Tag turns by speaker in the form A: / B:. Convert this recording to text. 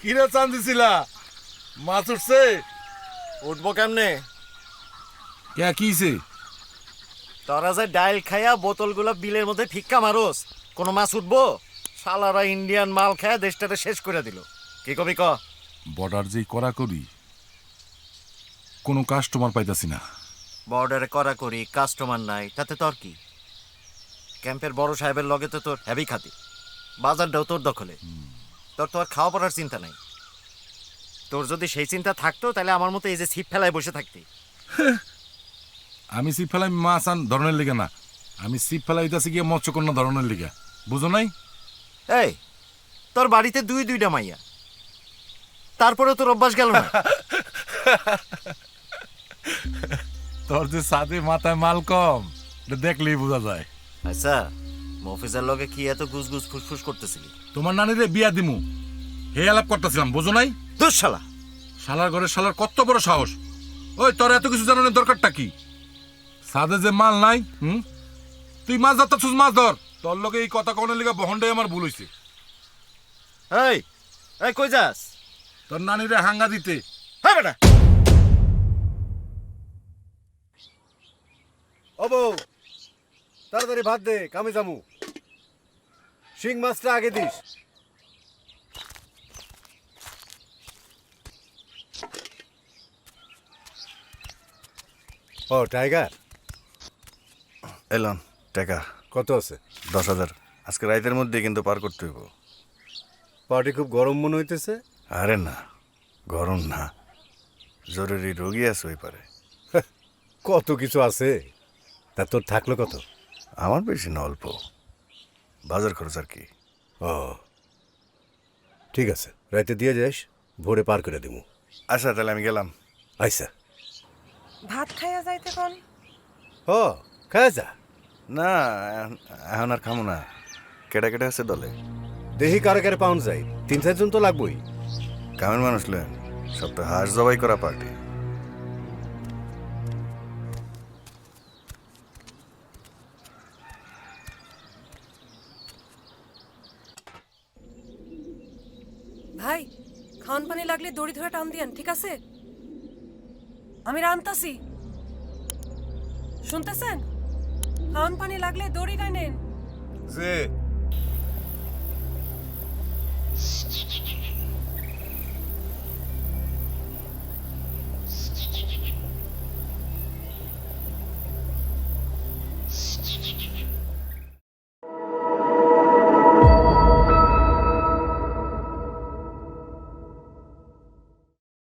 A: কিরে চান দিছিলা? মাছ উঠছে?
B: উঠবো কেমনে?
A: কে কিছে?
B: তোরা যে ডাইল খাইয়া বোতলগুলো বিলের মধ্যে ফিক্কা মারোস, কোনো মাছ উঠবো? শালারা ইন্ডিয়ান মাল খায় দেশটাতে শেষ করে দিল। কি কবি ক?
A: বর্ডার যেই করা করি, কোনো কাস্টমার পাইতাছি না।
B: বর্ডারে করা করি, কাস্টমার নাই, তাতে তোর কি? ক্যাম্পের বড় সাহেবের লগে তো তোর হেভি খাতি, বাজারটাও তোর দখলে। তোর তো আর খাওয়া পড়ার চিন্তা নাই। তোর যদি সেই চিন্তা থাকতো তাহলে আমার মতো এই যে ছিপ ফেলায় বসে থাকতি।
A: আমি সিপ ফেলাই মাছ আন ধরনের লিগা না, আমি সিপ ফেলাইতাছি গিয়ে মৎস্যকন্যা ধরনের লিগা, বুঝো নাই?
B: এই, তোর বাড়িতে দুইটা মাইয়া, তারপরে তোর অভ্যাস গেল না?
A: তোর যে সাথে মাথায় মাল কম, এটা দেখলেই বোঝা যায়।
B: আচ্ছা, মফিজের লগে কি এত গুজগুজ ফুসফুস করতেছিলি?
A: তোমার নানিরে বিয়া দিমু হে আলাপ করতেছিলাম, বোঝো নাই?
B: দুঃ শালা!
A: শালার ঘরে শালার কত বড় সাহস! ওই তোর এত কিছু জানানোর দরকারটা কি? সাদে যে মাল নাই, তুই মাছ ধরতেছিস, মাছ ধর। তোর লগে এই কথা কনের লিগা বহনটাই আমার ভুল হইছে।
B: এই, এই কই যাস?
A: তোর নানিরে হাঙ্গা দিতে।
B: হ্যাঁ বেটা।
C: ও বউ, তাড়াতাড়ি ভাত দে, কামে যামু। শিং মাছটা আগে দিস। ও টাইগার,
D: এলন টাকা
C: কত আছে?
D: 10,000 আজকে রাইতের মধ্যে কিন্তু পার করতে হইব।
C: পার্টি খুব গরম মনে হইতেছে।
D: আরে না, গরম না, জরুরি রোগী আছে ওই পারে।
C: কত কিছু আছে, তা তোর থাকলো কত?
D: আমার বেশি না, অল্প বাজার খরচ আর কি।
C: ও ঠিক আছে, রাইতে দিয়ে যাস, ভোরে পার করে দিমু।
D: আচ্ছা তাহলে আমি গেলাম।
C: আইসা
E: ভাত খাইয়া যাইতে কোন?
C: ও খায় যা।
D: না, এখন আর খামো না। কেটা কেটে আছে দলে?
C: দেহি কারে কারে পাউন্ড যাই, 3-4 জন তো লাগবই।
D: কামের মানুষ লেন, সব তো হাঁস জবাই করা পার্টি।
E: ভাই, খাওয়ান পানি লাগলে দড়ি ধরে টান দিয়েন, ঠিক আছে? আমি রান্তাছি, শুনতেছেন? খাওয়ান পানি লাগলে দড়ি টানেন।
C: যে